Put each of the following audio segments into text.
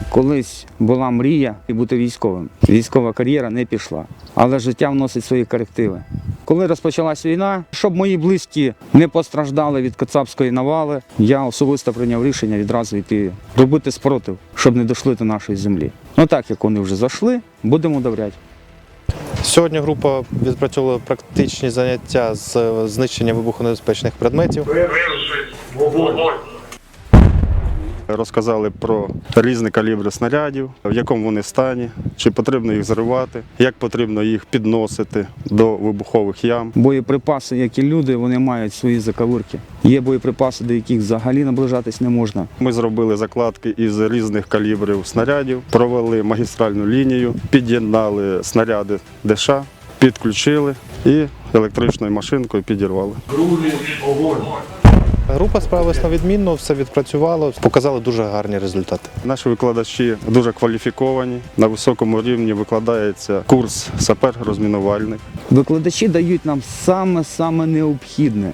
Колись була мрія бути військовим. Військова кар'єра не пішла, але життя вносить свої корективи. Коли розпочалась війна, щоб мої близькі не постраждали від кацапської навали, я особисто прийняв рішення відразу йти робити спротив, щоб не дійшли до нашої землі. Ну так, як вони вже зайшли, будемо довіряти. Сьогодні група відпрацьовувала практичні заняття з знищення вибухонебезпечних предметів. Розказали про різні калібри снарядів, в якому вони стані, чи потрібно їх зривати, як потрібно їх підносити до вибухових ям. Боєприпаси, як і люди, вони мають свої заковирки. Є боєприпаси, до яких взагалі наближатись не можна. Ми зробили закладки із різних калібрів снарядів, провели магістральну лінію, під'єднали снаряди ДШ, підключили і електричною машинкою підірвали. Група справилась на відмінно, все відпрацювало, показали дуже гарні результати. Наші викладачі дуже кваліфіковані, на високому рівні викладається курс сапер-розмінувальник. Викладачі дають нам саме необхідне.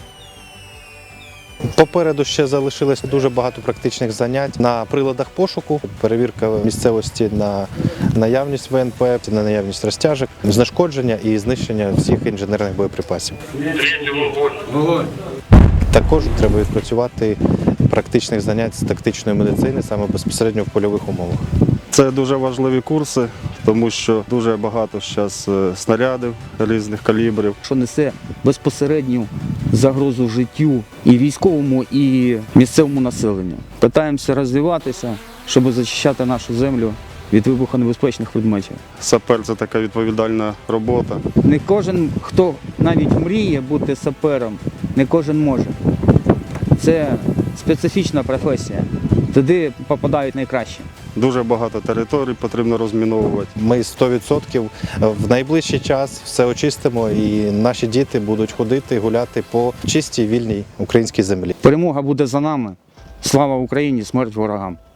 Попереду ще залишилось дуже багато практичних занять на приладах пошуку, перевірка місцевості на наявність ВНП, на наявність розтяжок, знешкодження і знищення всіх інженерних боєприпасів. Вогонь! Також треба відпрацювати практичних занять з тактичної медицини саме безпосередньо в польових умовах. Це дуже важливі курси, тому що дуже багато зараз снарядів різних калібрів. Що несе безпосередню загрозу життю і військовому, і місцевому населенню. Питаємося розвиватися, щоб захищати нашу землю від вибухонебезпечних предметів. Сапер – це така відповідальна робота. Не кожен, хто навіть мріє бути сапером, не кожен може. Це специфічна професія. Туди попадають найкращі. Дуже багато територій потрібно розміновувати. Ми 100% в найближчий час все очистимо і наші діти будуть ходити, гуляти по чистій, вільній українській землі. Перемога буде за нами. Слава Україні, смерть ворогам!